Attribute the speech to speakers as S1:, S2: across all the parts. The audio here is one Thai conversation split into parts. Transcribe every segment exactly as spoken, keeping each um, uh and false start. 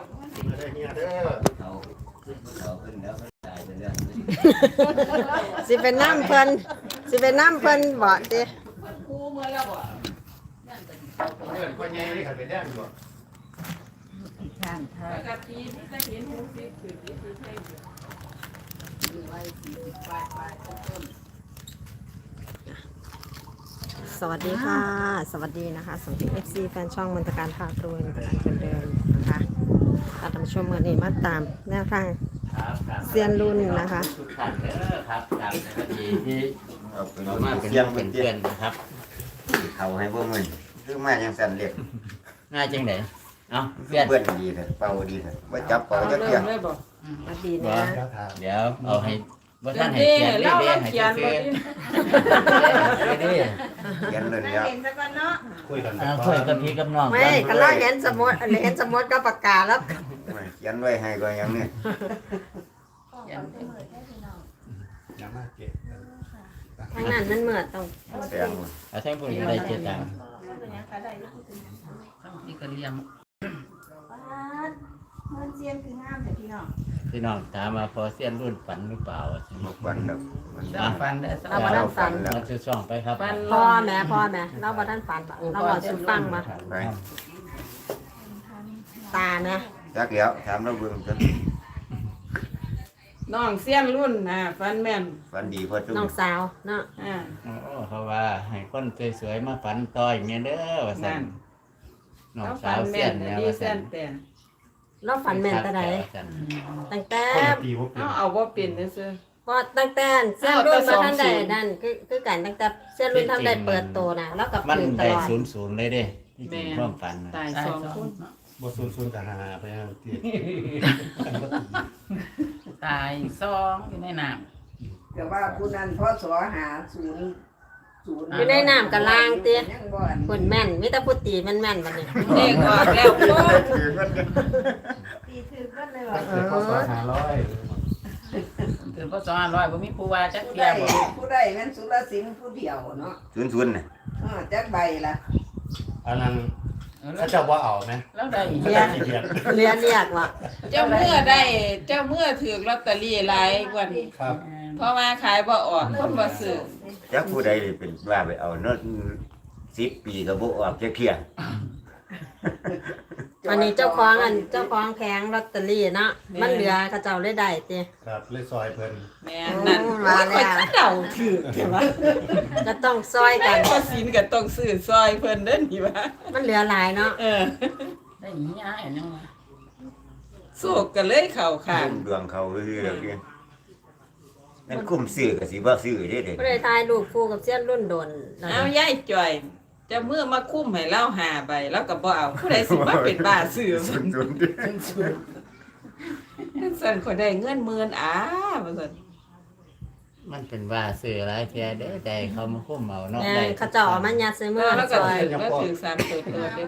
S1: มาได้เนี่ยเด้อ
S2: เขาเขาขึ้นแล้วก็ตายไปเรื่อง
S3: สิเป็นน้ำเพิ่นสิเป็นน้ำเพิ่นบ่ติ
S4: กูเมื่อแล้วบ่
S1: เดินคนใหญ่เลยขันไปแดงอยู่
S5: ข้างทา
S4: ปกติที่จะเห็นหูสิคือที่คือใช่อยู่ไว้สี่สิบปลายปลายต้น
S3: สวัสดีค่ะ สวัสดีนะคะสำหรับ เอฟ ซี แฟนช่องมนตการพาตรวยมนตการคนเดิมนะคะท่านผู้ชมวันนี้มาตามแนวทาง
S2: ครับครับ
S3: เซียนรุ่นนะคะ
S2: ทุกท่านเด้อครับตามในคดีที่
S1: เอาเป็น
S2: เรามาเป็น
S1: เสียง
S2: เป็
S1: เป็น น
S2: เพื่
S1: เพื่
S2: อ
S1: อน น
S2: นะครับ
S1: เขาให้พวกมึงคือมายังสั่นเรียก
S2: ง่ายจังไหนเอ้าเพื่อน
S1: เพื่อนดีเถอะเป่าดีเถอะว่าจับเป่าจะเกี่ยง
S4: เลยบ่
S3: สวัสดีนะ
S2: เดี๋ยวเอาให้ว่า
S4: เดี๋
S2: ท่านให้
S4: ยว
S2: เขียน
S4: เล่า
S2: เด้
S4: เรา
S2: ให้
S4: เขียน
S2: เขี
S4: บ่
S2: ยน
S4: ดิ
S2: เด้
S1: เขียนเลยเนี่ย
S6: คุยกัน
S2: อ่าคุยกับพี่กับน้อง
S3: ไม่ก็เราเห็นสมุดเห็นสมุดก็ประกาศแล้ว
S1: เขียนไว้ให้ก็ยังเนี่ย
S6: ยังมากเก็บ
S3: ทางนั้นมันเหมือนต้อง
S1: แสง
S2: เอาแท่งผู้หญิงได้เจ็ดตังค์
S4: นี่ก็เลี้ยง
S5: เงินเซียนคืองามแต่พี่น้อง
S2: พี่น้องถามมาพอเสี้ยนรุ่นฝันหรือเปล่า
S1: บกวันแบบมัน
S4: สร้างฟันได้สร้า
S3: เรา
S4: ง
S3: บ่
S4: ฟัน
S3: ทันฝัน
S2: เราจะส่องไปครับ
S4: ฟัน
S3: พ่อแม่พ่อแม่เราบ่ทันฝันบ่เราบอกสุฟังมา
S1: ไป
S3: ตานะ
S1: จักแล้วถามเราเบิ่งกัน
S4: น้องเสี้ยนรุ่นนะฟันแม่น
S1: ฟันดีพอจุ๊
S3: น้องสาวเนาะ
S4: อ่า
S2: โอ้เขาว่าให้คนสวยๆมาฝันต่อยอย่างเงี้ยเด้อว่าซั่นน้อง
S4: แล้ว
S2: สา
S4: ฟั
S2: วน เสี้
S4: แม่
S2: ย
S4: น
S2: นเนี่ย
S4: ดี
S2: ว่า
S4: เส้
S2: ซั่น
S4: นแต่
S3: เราฝันแม่นแต่ใด
S2: ว่าซั่น
S3: ตั้งแต่
S6: ตีว่าเป็น
S4: เอาเอาบ่เป็นซื่อ
S3: พอตั้งแต่เส้นรุ่นมาท่านใดนั่นคือคือกันตั้งแต่เส้นรุ่นท่านใดเปิดตัวนะแล้วกับ
S2: มัน
S3: ถือต
S2: ได้
S3: ลอด
S2: ศูนย์ศูนย์เลยเด้ที่จริงความฝันน่ะ
S4: ตายสองคน
S6: บทซูนซูนแต่หาไปยังตี
S4: ตายสองอยู่ในน้
S5: แต่ว่าผู้นั้นพอสอหาศูนย์ศูนย์
S3: อยู่ในน้ำกับล่างเตี้ย
S5: ยังบ่อน
S3: คนแม่นมิตรพุทธีแม่นแม่นวันนี้
S4: ำเด็กออกแล้วพ่อ
S1: คือมัน
S5: ตีถือกันเลยว่า
S6: เกิดพศห้าร้อย
S4: ถือพ่อสองร้อยบ่มีผู้ว่าจัก
S5: ผู้
S4: เที
S5: ใด
S4: ยบ่
S5: ผู้ใดแม่นสุรสิงห์ผู้เดียวเนาะ
S1: ศูนย์ศูนย์น่ะ
S5: อ้อจักใบล่ะ
S6: อันนั้นเขาจะว่าเอาไหม
S4: แล้วได้
S6: เขา
S4: เรีย
S6: จะ
S4: น
S6: ขี้เกียจ
S3: เรียนเรียกว่า
S4: เจ้าเมื่อได้เจ้าเมื่อถือลอตเตอรี่หลายกว่านี้
S6: ครับ
S4: เพราะว่าขายบ่ออกคนบ่ซื้อ
S1: จักผู้ใดเลยเป็นว่าไปเอาเนาะสิบปีก็บ่ออกจะเที่ยง
S3: วันนี้เจ้าของอันเจ้าของแผงลอตเตอรี่เนาะมันเหลือเขาเจ้าเลยได้เตี้ย
S6: ครับเลยซอยเพิ่น
S4: แม่นั่น
S3: โอ้มาแล้ว
S4: โอ้ยเดาถือใช่ปะ
S3: ก็ต้องซอยกัน
S4: ก็สินก็ต้องซื้อซอยเพิ่นเด้อนี่ว่า
S3: มันเหลือหลายเนาะ
S4: เออ
S5: ได้หนีอ้ายยังว่า
S4: โศกก็เลยเข้าข้าง
S1: คุ้มดวงเขาคือเรื่องนี้นั่นคุ้มซื้อก็สิบ่ซื้อเด้เด้
S3: ก็เลยทายลูกคู่กับเส้นรุ่นโดนนะ
S4: เอายายจ่อยเจะเมื่อมาคุ้มให้เราหาใบแล้วก็บ่เอาผู้ใดสิมาเป็นบ้าซื้อ
S1: ศูนย์ศูนย์เด้
S4: สั่นคนได้เงินหมื่นอ้าว่าซั่น
S2: มันเป็นว่าซื้อหลายเที่ยเด้อแต่เขามาคุ้มเอาเนาะ
S3: แม่
S2: ได้
S3: เขาเจ้าเอามันยัดใส่มือ
S4: แล้วก็
S3: ซอย
S4: ถือก็ถือสามตัวตัวเด้อ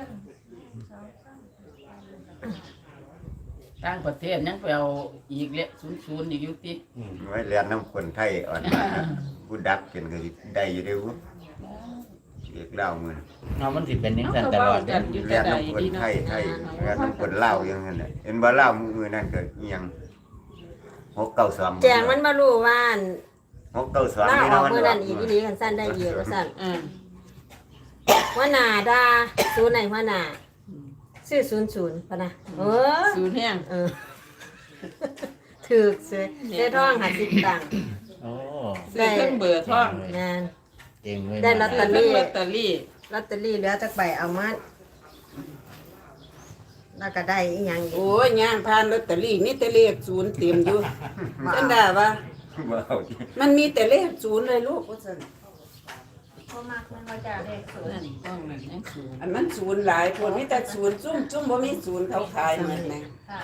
S7: ต่างประเทศยังไปเอาอีกเละศูนย์ศูนย์อีกอยู่ติ
S6: อืม
S1: ไว้เรียนน้ำคนไทยอ่อนมาผู้ดักเป็นก็สิได้อยู่เด้อบ่เรียกเล่ามื้อ
S2: เนาะมันสิเป็นจัง
S4: เอา
S2: ซั่น
S4: ก็
S2: ตล
S4: เว้า
S2: อด
S4: กั
S2: เด้
S4: นอยู่
S1: เรี
S4: แต่
S1: ยน
S4: ใด
S1: น้ำคน
S4: ดี
S1: ไท
S4: เนาะ
S1: ยไทยเรียนน้ำคนเล่าวอย่างนั้นน่ะเห็นบ่เล่าวมื้อนั้นก็อีหยังหกเก้าสอง
S3: แจงมันมารู้ว่าอัน
S1: หกเก้าสอง
S3: ล่า
S1: นี่
S3: ออก
S1: เนาะ
S3: มือนั่นอีกอีหลีกันสั้นได้เยอะสั้น
S4: อ่า
S3: ว่านาดาศูนย์ไหนว่านาซื้อศูนย์ศูนย์ปะนะเออ
S4: ศูนย์แห้ง
S3: เออถือซื้อได้ท่องหาสิบตังค์
S2: โอ้
S4: ซื้อเครื่องเบอร์ท่อง
S3: งาน
S2: เก่งเว้ย
S3: ได้ลอตเตอรี่
S4: ซื้อเครื่องลอตเตอรี่
S3: ลอตเตอรี่เหลือจากใบเอามาแล้วก็ได้อีหยังอีก
S4: โอ้ยย่างผ่านลอตเตอรี่มีแต่เลขศูนย์เต็มอยู่จังได้ปะ
S1: บ่เอา
S4: มันมีแต่เลขศูนย์เลยลูกว่าซั่น
S5: เขามักมันว่าจะเลขศูนย์
S4: นั่นต้องนั่นยังศูนย์อันมันศูนย์หลายคนมีแต่ศูนย์ซุ่มซุ่มบ่มีศูนย์เขาขายเหมือนแหม่
S5: ค่ะ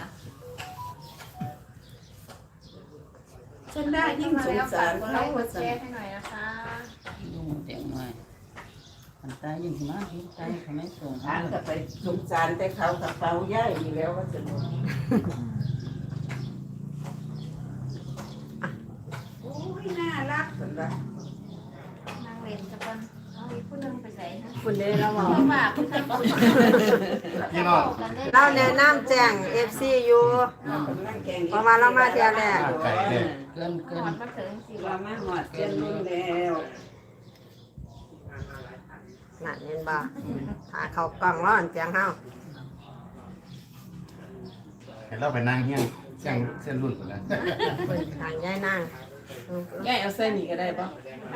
S4: ฉันได้ยิ่งสงสาร
S5: กดไล
S4: เขา
S5: ค์ก
S4: ว่า
S5: ดแช
S4: ซั่น
S5: ร์ให้หน่อยนะคะ
S7: ยุ่งเต็มเลยอันตายยิ่งสิมาที่ตายเขาไม่ส่ง
S4: อ่านก็ไปสงสารแต่เขากับเขาย่ายอยู่แล้วว่าซั่น
S5: โอ้ยน่ารัก
S4: ซั่นว่า
S5: นางเล่นจะเป็นเอาอีกผู้หนึงไปใส่นะ
S3: คุณเด้เราบอก
S5: เพราะว่าผู้ชายผู้ชาย
S1: ร
S6: พี่น้อง
S3: เราแนะนำแจ้ง เอฟ ซี อยู่ เพราะว่าเรามาเที่ยวแรก
S6: ไก่เนี่ย
S7: เกินเกิน
S5: ว่ามาหอดเจียนรุ่นแล้ว
S3: นั่นเห็นบ่ถ้าเขากล่องร้อนเสียงเฮา
S6: เห็นเราไปนั่งเฮี้ยงเส้นเส้นรุ่นคนนั้น
S3: ทางยายนาง
S4: ยายเอาใส่นี่ก็ได้ปะ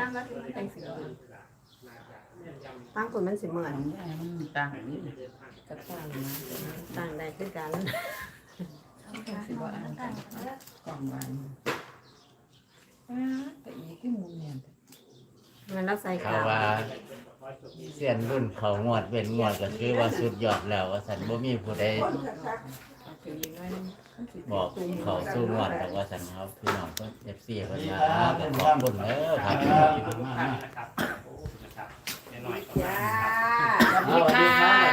S3: ตั้งคุณมันสิเหมือน
S7: มันต่างนี่
S4: กระต่ายนะ
S3: ตั้งได้คือกัน
S4: สิบ่อ่านกันกล่องวันแต่อีกที่มุมเนี่ย
S3: มันเราใส่
S2: เขา
S3: ขาว
S2: ว่าเสียนรุ่นเขางวดเป็นงวดก็คือว่าสุดยอดแล้วว่าสันบ่มีผู้ใด
S4: คือยังไง
S2: บอกเขาสู้งวดแต่ว่าสันเขาพี่น้องเพิ่น เอฟ ซี เพิ่นมาก็ขอบคุณเด้อครับ
S5: จ้า
S7: สวัสดีค่ะ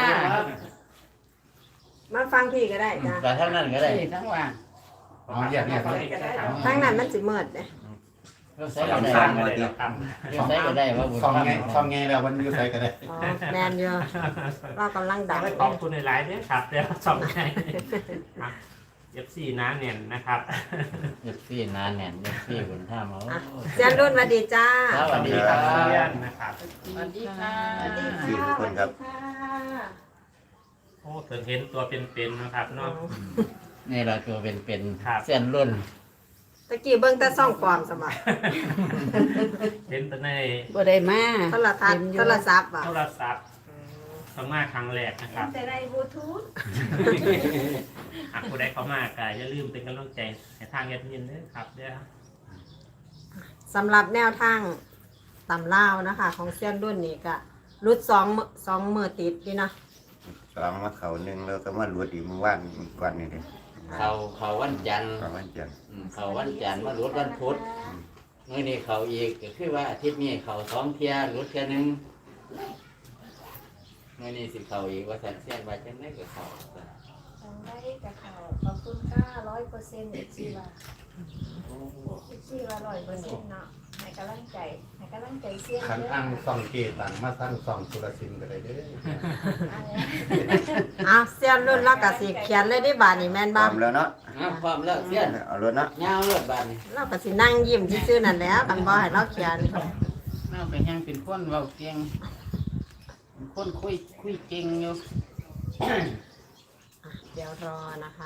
S3: มาฟังพี่ก็ได้จ้ะ
S2: แต่ทั้งนั้นก็ได้
S7: ทั้งว่าง
S6: อ๋อแยกแยกเลย
S3: ทั้งนั้นมันสิเหมือนเด้
S2: เราใช้ก็ได้เราใช้ก็ได้ว่าบุญ
S6: ช่อง
S2: ธรรม
S6: ไงช่องไงแล้วมันอยู่ใส่กันได้
S3: อ๋อแมนอยู่เรากำลังดัง
S8: ขอบคุณในไลฟ์ด้วยครับเดี๋ยวสองใจเอฟซีน้าเน่นนะครับ
S2: เอฟซีนานแน่นเอฟซีบุญธรรมเอา
S3: อ่ะเซียนรุ่นสวัสดีจ้า
S2: สวัสดีครับ
S8: เพื่อนนะครับ
S7: สวัสดีค่ะ
S1: สี่ทุกคนครับ
S8: โอ้เพิ่งเห็นตัวเป็นๆนะครับเนาะ
S2: นี่เราตัวเป็นเป็น
S8: ครับ
S2: เส้นรุ่น
S3: ตะกี้เบิ่งแต่ซ่องปลอมสมัคร
S8: เห็นแต่ใน
S7: บ่ได้มา
S3: โทรทัศน์โทรศัพท์อ่ะ
S8: โทรศัพท์เข้ามาครั้งแรกนะครับ
S5: แต่ได้บลูทูธ
S8: หากผู้ใดเข้ามาก็อย่าลืมเป็นกำลังใจให้ทางแอดมินด้วยครับเด้อ
S3: สำหรับแนวทางตำลาวนะคะ ของเซียนรุ่นนี่ก็รุดสองมื้อสองมือติดนี่เนาะ
S1: สองมาเขาหนึ่งแล้วก็มาหลวดอีกมือว่านก่อนนี่เด้
S2: เขาเขาวันจันทร์
S1: ก่อนวันจันทร์
S2: อืมเขาวันจันทร์มารุดวันพุธมื้อนี้เขาอีกก็คือว่าอาทิตย์นี้เขาสองเที่ยรุดเที่ยหนึงมื้อนี้สิเขาอีกว่าสันเสียนว่าจังได๋ก็เขา
S9: ทางได้กับเขาขอบคุณค่ะร้อยเปอร์เซ็นต์เอฟซีว่าเอฟซีว่าร้อยเปอร์เซ็นต์เนาะให้กำลังใจให้กำลังใจเสี้ยน
S6: ขัน
S9: เย
S6: อ้าง
S9: อะ
S6: ซ่องเกตังมาสร้างซ่องสุรสินก็ได้เด้อ
S9: อะไร
S3: อ้าวเซียนรุ่นเราก็สิเขียนเลยได้บาดนี่แม่น
S1: พร้
S3: บ่
S1: อมแล้วเนาะ
S2: อ้าวพร้อมแล้วเสียน
S1: เอารถเนาะ
S2: ยาวเลิศบาดนี้
S3: เราก็สินั่งยิ้มซื่อๆนั่นแหล้วกันบ่ให้เราเขียน
S7: เราเป็นยังเป็นคนเว้าเก่งเป็นคนคุยคุยเก่งอยู่
S3: เดี๋ยวรอนะคะ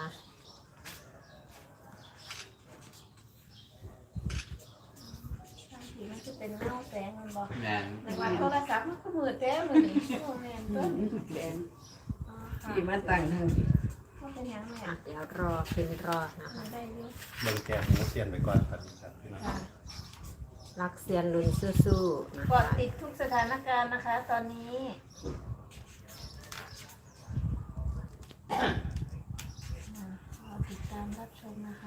S9: ทีมันจะเป็นเงาแสงมันบอก
S2: แม่น
S9: ในวันโทรศัพท์มันก็มืดแท้มือนี่โอ้แม่นเพิ่น
S5: แดง
S9: อ๋อค่ะ
S5: ที่มาตั้งทาง
S9: มันเป็นหยังแม่
S3: อ่ะเดี๋ยวรอพิมพ์รอนะคะ
S9: มันได้อยู่
S6: เบิ่งแก้หมูเสียนไปก่อนครับพี่น้อง
S9: ค่ะ
S3: รักเซียนรุ่นสู้ๆนะ
S9: กด
S3: คะ
S9: ติดทุกสถานการณ์นะคะ ตอนนี้อ่ารอติดตามรับชมนะคะ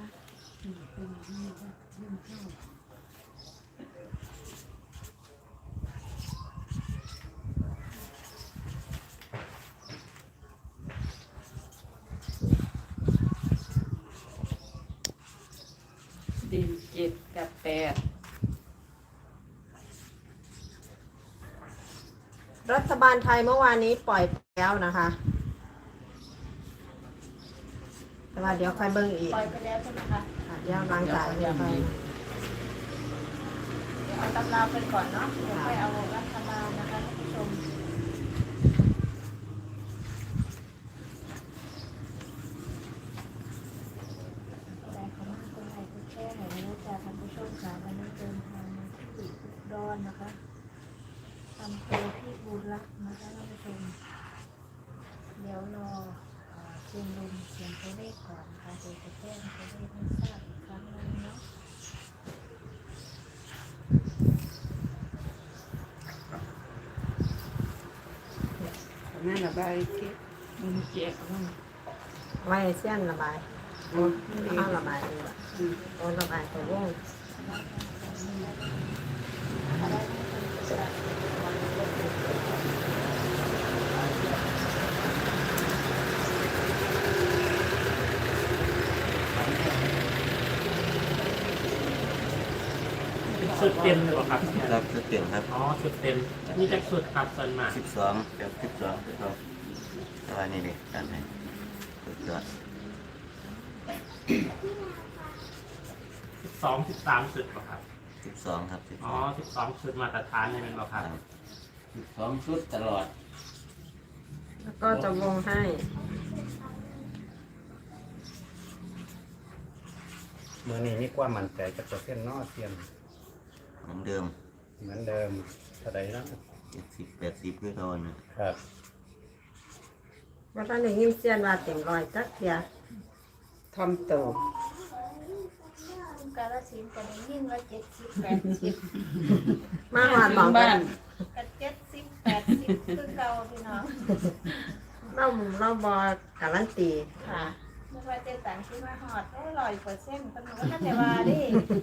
S4: ดีเจ็ดกับแปด
S3: รัฐบาลไทยเมื่อวานนี้ปล่อยแล้วนะคะ แต่ว่าเดี๋ยวค่อยเบิ่งอีก
S9: ปล่อยไปแล้วใช่ไหมคะ
S3: ค่ะเดี๋ยวล้างตาเดี๋ยวค่อย
S9: เดี๋ยวเอาตำราไปก่อนเนาะเดี๋ยวค่อยเอารัฐบาลนะคะท่านผู้ชมแต่เขามาคนไหนก็แค่ไหนไม่รู้จักท่านผู้ชมค่ะวันนี้เดินทางมาที่อุดรนะคะอำเภอพิบูลรักษ์นะคะท่านผู้ชมเดี๋ยวรอเอ่อเชียงรุมเสียงตัวเลขก่อนนะคะเดี๋ยวจะแจ้งตัวเลขให้ทราบอีกครั้งหนึงเนาะ
S4: แม่ระบายเก็บมันเจ็บมัน
S3: ไว้ให้เซียนระบายโอ้ข้าวระบายดีกว่าโอ้ระบายตัววง
S8: สุดเต็มเลยเหรอครับ
S1: ครับชุดเต็มครับ
S8: อ๋อสุดเต็มนี่จะสุดครับส่วนมาก
S1: สิบสองครับสิบสองครับว่านี่เลยกันให้สุดยอด
S8: สิบสองสิบสามสุดป่ะครับ
S1: สิบสองครับสิบ
S8: อ๋อสิบสองสุดมาตรฐานเลยเป็นป่ะครับ
S2: สิบสองชุดตลอด
S3: แล้วก็จะวงให้
S6: มือนี้มีความมั่นใจกับเปอร์เซ็นต์เนอเซียน
S1: เหมือนเดิม
S6: เหมือนเดิมเท่าใดเนาะ
S1: เจ็ดสิบแปดสิบคือโดนนะครับ
S3: ว่าตอนนี้ยินเสียนว่าเต็มร้อยจักเทีย
S5: ทำโต
S9: กาลสินธุ์ก็ได้ยินว่าเจ็ดสิบแปดสิบ
S3: มาหวานบอก
S7: บ้า
S3: กัน น
S9: กับเจ็ดสิบแปดสิบคือเก่าพี่น้อง
S3: เราเราบอกการันตี
S9: ค่ะไม่ว่าเจ๊ต่างที่มาหอดได้ร้อยเปอร์เซ็นต์เป็นก็น่าจะว่าดิ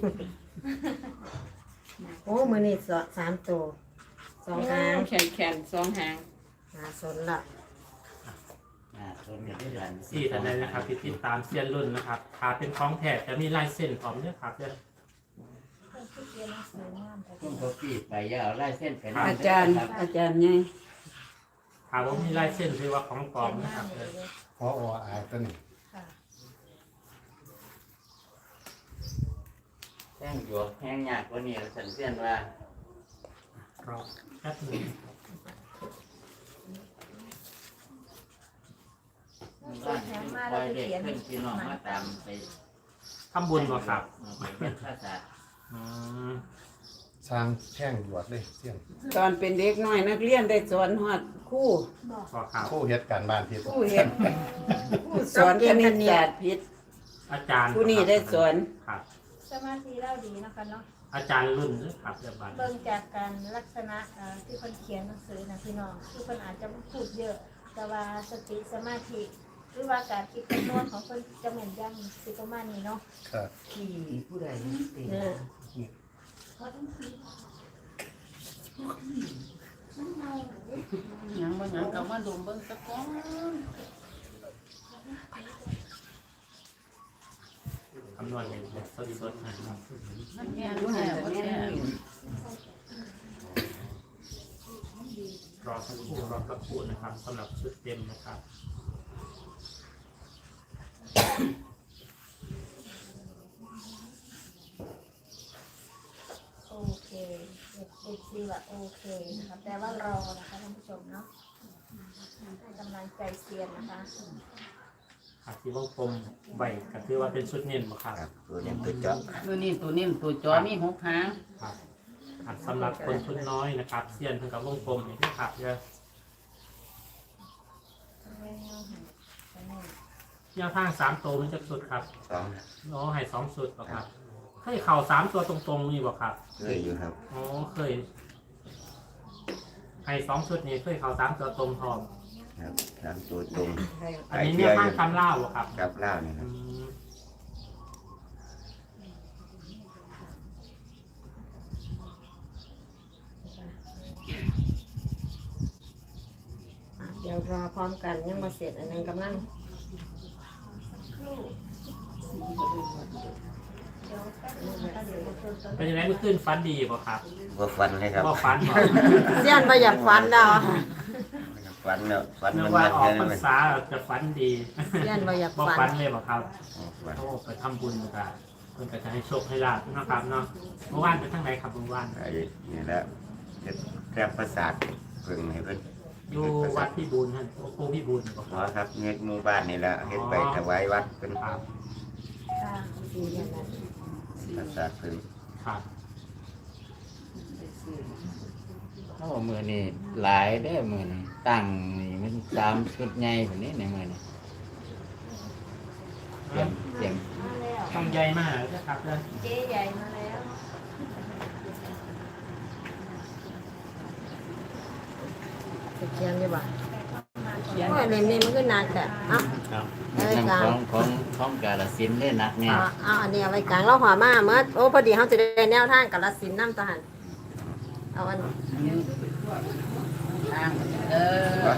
S3: โอ้มือนี่สสามตัวสองหาง
S7: แขนแขนสองหาง
S3: หาสนละ
S2: อ่าต้นเดือนที่เดือน
S8: สี่ท่านใดนะครับที่ติดตามเซียนรุ่นนะครับถ้าเป็นของแท้จะมีลายเส้นพร้อมด้วยครับเด้อ
S9: เพิ่นคือเรียนหนังสืองามแต่
S2: ต้นกาแฟไปยาวไล่เส้นไป
S5: อาจารย์อาจารย์ไง
S8: ถ้าว่ามีลายเส้นคือว่าของปลอมนะครับ
S9: เล
S8: เด้อย
S6: พอออาตัวนี้
S9: ค่ะ
S2: แห้งหยวกแห้งยากกว่านี้สันเสียนว่า
S8: รอแป๊บหนึง
S9: ส่วนแถมมา
S2: ค
S9: เรา
S2: อย
S9: ไป
S2: เด็ก
S9: เขียน
S2: ขึ้นพี่น้องมาตามไป
S8: ทำบุญบ่ครับ
S2: ไปเป็นภาษา
S8: อืม
S6: สร้างแช่งหยวดเลยเซียน
S5: ตอนเป็นเด็กน้อยนักเรียนได้สอนฮอดครู่
S8: บ่ครับ
S6: คู่เฮ็ดการบ้านผิด
S5: ครู่เฮ็ดครู่สอนคณิตศาสตร์พิษ
S8: อาจารย์
S5: ผู้นี้ได้สอน
S8: ครับ
S9: สมาธิเราดีนะคะเนาะ
S8: อาจารย์รุ่นนะครับเดี๋ยวบัด
S9: เบิ่งจากการลักษณะเอ่อที่คนเขียนหนังสือนะพี่น้องที่คนอาจจะไม่พูดเยอะ แต่ว่าสติสมาธิหรือว่าการคิดคำนวณของคนจะเหมือนยังสิประมาณนี้เนาะ
S6: ครับ
S5: ที่ผู้ใดติ
S3: เนี่ย
S7: หยังบ่หยังก็มาดมเบิ่งสักก่อน
S8: คำนวณเป็นแบบสดๆนะครับ
S7: มันแย่
S5: ผู้
S7: แย่
S5: หัน
S7: บ่
S5: แม่
S7: แย่
S5: น
S8: รอสักครู่รอสักครู่นะครับสำหรับชุดเต็มนะครับ
S9: โอเคเด็กเด็กซีว่าโอเคนะคะแต่ว่ารอนะคะท่านผู้ชมเนาะให้กำลังใจเซียนนะคะ
S8: ครับที่วงกลมใบก็คือว่าเป็นชุดเน้นบ่ครับ
S1: ครับตัวนี้ตัวเจาะ
S7: ตัวนี้ตัวนี้ตัวจอมีหกหาง
S8: ครับครับสำหรับคนทุนน้อยนะครับเซียนเพิ่นกับวงกลมนี่นะครับเด้อแนวทางสามตัวมันจะสุดครับ
S1: สอง
S8: อ๋อให้สองสุดบ่ครับเคยเข่าสามตัวตรงๆนี่บ่ครับ
S1: เคยอยู่ครับ
S8: อ๋อเคยให้สองชุดนี้เคยเข่าสามตัวตรงพร้อม
S1: ครับสามตัวตรง
S8: อันนี้เนี่ยข้างคำเล่าบ่ครับ
S1: กับล่าวนี่ค
S8: อื
S1: รับ
S8: ม
S3: เดี๋ยวรอพร้อมกันยังมาเสร็จอันนึงกำลัง
S9: เดี๋ยวแป๊บนึงนะคะเดี๋ยวจะเพิ่มเติม
S8: เป็นยังไงเมื่อคืนฟันดีบ่ครับ
S1: ว่าฟันเลยครับ
S8: บ่ฟันบ่
S3: เสียนไปอยากฟันดาว
S1: ฟันเนาะฟัน
S8: นึ
S1: มั
S8: ก
S1: น
S8: ว่า
S1: มัน
S8: ออก
S1: แค่
S8: พร
S1: นั้น
S8: ร
S1: เลย
S8: ษาจะฟันดี
S3: เสียนไปอยาก
S8: บ่
S3: ฟั
S8: ฟั
S3: น
S8: นเลยบ่ครับ
S1: อ๋อฟัน
S8: โอ้ไปทำบุญกันเพิ่นก็จะให้โชคให้ลาภนะครับเนาะเมื่อวานไปทางไหนครับเมื่อวาน
S1: ไอ้นี่แหละจะแก้ประสาทเพิ่งให้เพิ่น
S8: อยู่วัดพี่บูลท่านโคพี่บูลบ่
S1: หมอครับเฮ็ดหมู่บ้านนี่แหละเฮ็ดไปถวายวัดเป็น
S8: ครับ
S9: ค่ะ
S1: ประสาทเพิ่ง
S8: ครับ
S2: โอ้มือนี่หลายได้อมือนี่ตั้งนี่มันสามชุดใหญ่แบบนี้ในมือนี่เตรียมเตรียม
S9: มาแล้ว
S8: ต้องใหญ่มากนะครับเด้อ
S9: เจ๊ใหญ่มาแล้ว
S3: จะเขียนอยู่บ่
S7: เขียน
S3: โอ้ยเล่มนี้มันก็หนักแต่เอ้า
S2: ครับ
S3: เอาไว้ก
S2: น้ำ
S3: ลาง
S2: ของของของกาลสินธุ์ได้หนักเนี่ย
S3: เอาเอาอันนี้เอาไว้กลางเราหัวมาเมื่อโอ้พอดีเขาจะได้แนวทางกับรัสินน้ำทหารเอาอัน
S7: ทางเออ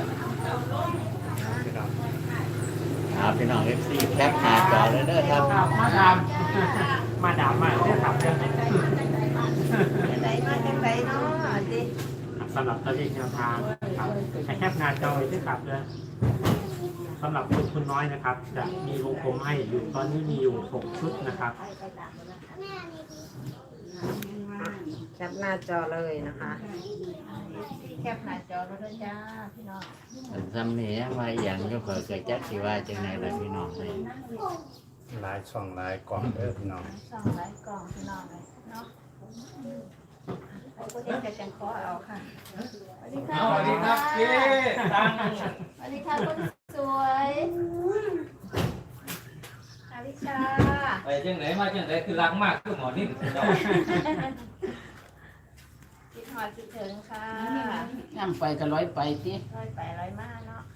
S2: ครับพี่น้องเอฟซีแคปหน้าจอเลยเด้อครับ
S8: ครับมาดาม มาดามมาเด้อครับเด้อ
S9: ไหนมาจังไหนเนาะดิ
S8: สำหรับตัวเลขแนวทางนะครับให้แคปหน้าจอไว้ด้วยครับเด้อสำหรับคนทุนน้อยนะครับ จะมีวงกลมให้อยู่ตอนนี้มีอยู่หกชุดนะครับ
S3: แคปหน้าจอเลยนะคะ
S9: แคปหน้าจอแล้วด้วยจ้าพี่น้อง
S2: เป็นซ้ำนี้มาอย่างก็เผื่อเกิดจักสิว่าจังไหนล่ะพี่น้องเลย
S6: หลายช่องหลายกล่องเด้อพี่น้อง
S9: ส่องหลายกล่องพี่น้องเลยเนาะไอ้คนเด็กจะจังขอเอาค่ะสวัสดีค่ะ
S10: สวัสดีครับเจ๊ตัง
S9: สวัสดีค่ะคนสวยอาวิชา
S10: ไปจังไหนมาจังไหนคือรักมากคือหมอนิ่มเจ้า
S9: คิดหอดคิดถึงค่ะ
S7: ย่ำไปก็ร้อยไปติ
S9: ร้อยไปร้อยมาเนาะ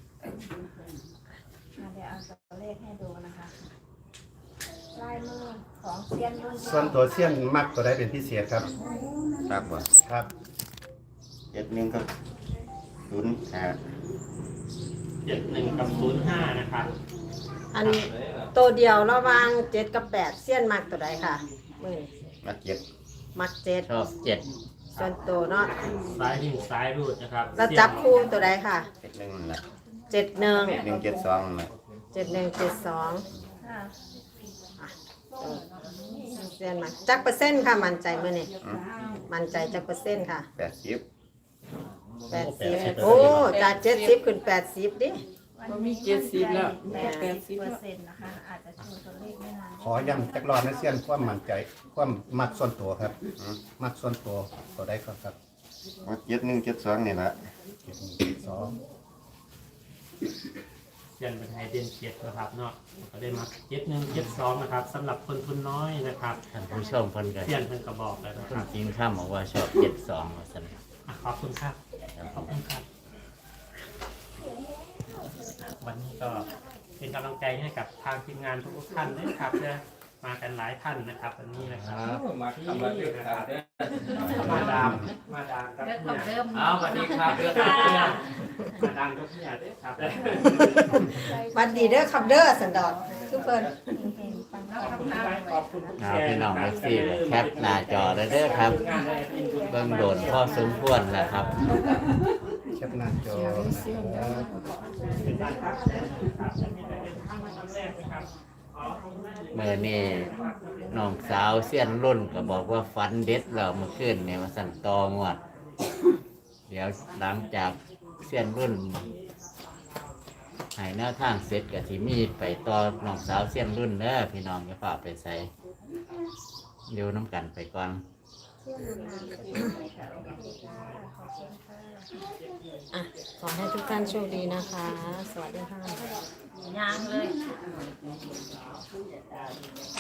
S9: อ่ะเดี๋ยวเอาตัวเลขให้ดูนะคะลายมือของเซียนรุ่น
S6: ส่วนตัวเสี้ยนมักตัวใดเป็นพิเศษครับ
S1: ครับบ่
S6: ครับ
S1: เจ็ดหนึ่งกับศูนย์ห้า
S8: เจ็ดหนึ่งกับศูนย์ห้านะครับ
S3: อันตัวเดียวระหว่างเจ็ดกับแปดเสี้ยนมักตัวใดค่ะมือ
S1: มาเจ็ด
S3: มักเจ็ด
S2: ชอบเจ็ด
S3: ส่วนตัวเนาะ
S8: ซ้ายวิ่งซ้ายรูดนะครับ
S3: แล้วจับคู่ตัวใดค่ะ
S1: เจ็ดหนึ่งนั่นแหละ
S3: เจ็ดหนึ่ง
S1: เจ็ดหนึ่งเจ็ดสองนั่นแหละ
S3: เจ็ดหนึ่งเจ็ดสอง
S9: ค่ะ
S3: เสี้ยนมักจักเปอร์เซ็นต์ค่ะมั่นใจมื่อนี่
S1: อืม
S3: มั่นใจจักเปอร์เซ็นต์ค่ะ
S1: แปดสิบ
S3: แปดสิบโอ้จากเจ็ดสิบขึ้นแปดสิบดิ
S4: มันมีเจ็ดสิบแล้ว
S9: แป
S4: แป
S9: ด
S4: ด
S9: สิ
S4: สิ
S9: บบ เปอ
S4: แล้ว
S9: ร์เซ็นต์นะคะ อาจจะชูตัวเลขไม่นาน
S6: ขอย้ำจักรอบนะเสี้ยนความมั่นใจความมักส่วนตัวครับ
S1: อืม
S6: มักส่วนตัวตัวใดก็ครับ
S1: มาเจ็ดหนึ่งเจ็ดสองนี่แหละ
S6: เจ็ดหนึ่งเจ็ดสอง
S8: เขียนเป็นไฮเดนเจ็ดนะครับเนาะก็ได้มาเจ็ดหนึ่งเจ็ดสองนะครับสำหรับคนทุนน้อยนะครับ
S2: ท่านผู้ชมเพิ่นก็
S8: เขียนเป็นกระบอกเลยนะค
S2: เพิ่น
S8: รับ
S2: กินข้ามบอกว่าชอบเจ็ดสองว่าซั่น
S8: อ่ะขอบคุณครับขอบคุณครับ วันนี้ก็เป็นกำลังใจให้กับทางทีมงานทุกท่านด้วยครับจะมากันหลายท่านนะครับวันนี้นะครับ
S10: มาทำมาเรื่องขาดเด้อ
S8: มาดามมาดามกับ
S9: เริ่ม
S8: เนี่ย
S9: เริ่ม
S10: เอาสวัสดีครับเรื่องขาดเด้อ
S8: มาดามกับเนี่ยด้วยครับ
S3: หวันดีเด้อครับเด้อสันดอกทุกคน
S9: เห็นปัง
S8: ขอบคุณครับขอบคุณทุก
S2: เอา
S8: แชร์
S2: พี่น้อง
S8: นะ
S2: เอ
S8: รับ
S2: ฟซีแคปหน้าจอได้เด้อครับ เบิ่งโดนพ่อสมควรแล้วครับ
S6: แคปหน้าจอนะครับ
S8: เป็นการพักครับจะมีแต่เป็นครั้งแรกนะครับอ๋อ
S2: เมื่อนี้น้องสาวเสี้ยนรุ่นก็บอกว่าฝันเด็ดแล้วเมื่อคืนเนี่ยมาสั่นตองวด เดี๋ยวหลังจากเสี้ยนรุ่นให้แนวทางเสร็จกับที่มีไปต่อน้องสาวเสี้ยนรุ่นเด้อพี่น้องอย่าฝากไปใส่เดี๋ยวน้ำกันไปก่อน
S3: อ่ะขอให้ทุกท่านโชคดีนะคะ สวัสดีค่ะ
S9: ยางเลย